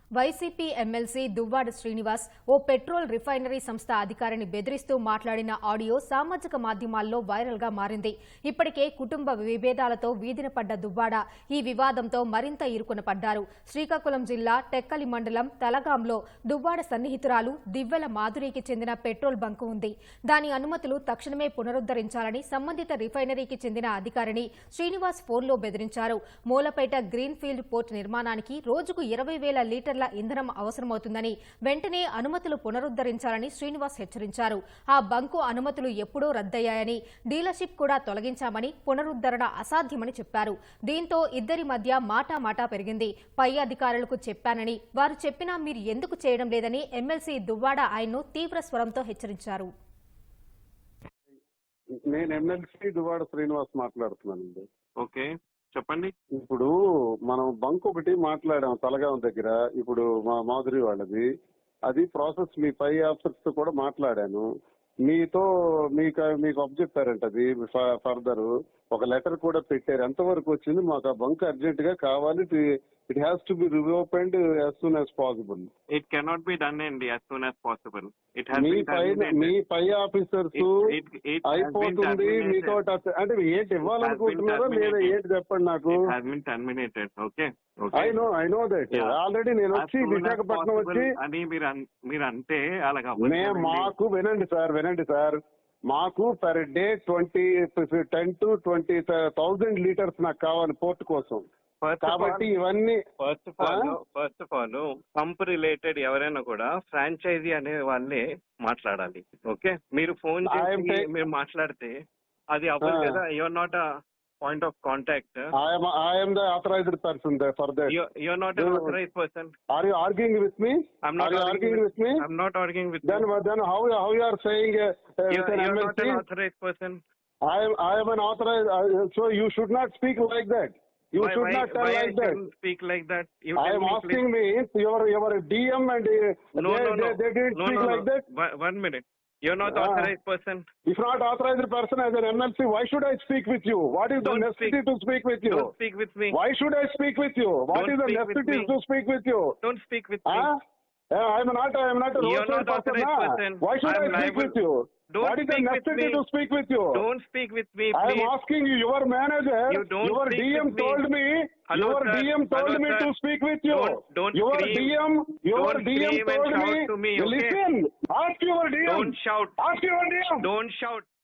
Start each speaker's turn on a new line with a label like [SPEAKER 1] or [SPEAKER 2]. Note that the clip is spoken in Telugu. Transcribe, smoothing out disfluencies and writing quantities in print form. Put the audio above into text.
[SPEAKER 1] వైసీపీ ఎమ్మెల్సీ దువ్వాడ శ్రీనివాస్ ఓ పెట్రోల్ రిఫైనరీ సంస్థ అధికారిని బెదిరిస్తూ మాట్లాడిన ఆడియో సామాజిక మాధ్యమాల్లో వైరల్ గా మారింది. ఇప్పటికే కుటుంబ విభేదాలతో వీధిన పడ్డ దువ్వాడ ఈ వివాదంతో మరింత ఇరుకున పడ్డారు. శ్రీకాకుళం జిల్లా టెక్కలి మండలం తలగాంలో దువ్వాడ సన్నిహితురాలు దివ్వెల మాధురికి చెందిన పెట్రోల్ బంకు ఉంది. దాని అనుమతులు తక్షణమే పునరుద్దరించాలని సంబంధిత రిఫైనరీకి చెందిన అధికారిని శ్రీనివాస్ ఫోన్లో బెదిరించారు. మూలపేట గ్రీన్ ఫీల్డ్ పోర్ట్ నిర్మాణానికి రోజుకు 20,000 లీటర్ల ఇంధనం అవసరమవుతుందని, వెంటనే అనుమతులు పునరుద్దరించాలని శ్రీనివాస్ హెచ్చరించారు. ఆ బంకు అనుమతులు ఎప్పుడో రద్దయ్యాయని, డీలర్షిప్ కూడా తొలగించామని, పునరుద్దరణ అసాధ్యమని చెప్పారు. దీంతో ఇద్దరి మధ్య మాటామాటా పెరిగింది. పై అధికారులకు చెప్పానని, వారు చెప్పినా మీరు ఎందుకు చేయడం లేదని ఎమ్మెల్సీ దువ్వాడ ఆయన్ను తీవ్ర స్వరంతో హెచ్చరించారు.
[SPEAKER 2] నేను ఎమ్మెల్సీ దువ్వాడ శ్రీనివాస్ మాట్లాడుతున్నానండి.
[SPEAKER 3] ఓకే, చెప్పండి.
[SPEAKER 2] ఇప్పుడు మనం బంక్ ఒకటి మాట్లాడాం తలగాం దగ్గర. ఇప్పుడు మా మాధురి వాళ్ళది అది ప్రాసెస్ మీ పై ఆఫీసర్స్ తో కూడా మాట్లాడాను. మీకు అప్ చెప్పారంట. అది ఫర్దర్ ఒక లెటర్ కూడా పెట్టారు. ఎంతవరకు వచ్చింది? మాకు ఆ బంక్ అర్జెంట్ గా కావాలి. It has to be reopened as soon as possible.
[SPEAKER 3] It cannot be done అండి యాజ్ సూన్ యాజ్ పాసిబుల్.
[SPEAKER 2] మీ పై ఆఫీసర్స్ అయిపోతుంది మీతో అంటే ఏంటి ఇవ్వాలనుకుంటున్నారో లేదా ఏంటి చెప్పండి నాకు. ఐ నో దట్ ఆల్రెడీ నేను వచ్చి విశాఖపట్నం వచ్చి
[SPEAKER 3] అని మీరు అంటే అలాగా
[SPEAKER 2] వినండి సార్ మాకు పర్ డే 10 to 20,000 లీటర్స్ నాకు కావాలి పోర్ట్ కోసం. కాబట్టి ఇవన్నీ
[SPEAKER 3] first of all pump related ఎవరైనా కూడా ఫ్రాంచైజీ అనే వాళ్ళే మాట్లాడాలి. ఓకే, మీరు ఫోన్ చేసి మీరు మాట్లాడితే అది అవ్వదు కదా. Your not a point of contact.
[SPEAKER 2] I am the authorized person for that.
[SPEAKER 3] You are not an authorized person.
[SPEAKER 2] Are you arguing with me?
[SPEAKER 3] I'm not arguing with me. I'm not arguing with
[SPEAKER 2] then,
[SPEAKER 3] you.
[SPEAKER 2] Then how you are saying
[SPEAKER 3] you are not an authorized person.
[SPEAKER 2] I am an authorized. So you should not speak like that. You should not tell like that.
[SPEAKER 3] Speak like that.
[SPEAKER 2] I am asking me your DM and they didn't speak like that.
[SPEAKER 3] 1 minute. You're not authorized person.
[SPEAKER 2] If not authorized person as an MLC, why should I speak with you? What is the necessity to speak with you?
[SPEAKER 3] Don't speak with me.
[SPEAKER 2] Why should I speak with you? What is the necessity to speak with you?
[SPEAKER 3] Don't speak with me.
[SPEAKER 2] I am not a
[SPEAKER 3] roadside person.
[SPEAKER 2] Why should I speak with you? What is the necessity to speak with you?
[SPEAKER 3] Don't speak with me,
[SPEAKER 2] please. I am asking you, your manager, your DM told me, your DM told me to speak with you. Your DM told me, listen, ask your DM.
[SPEAKER 3] Don't shout.
[SPEAKER 2] Ask your DM.
[SPEAKER 3] Don't shout.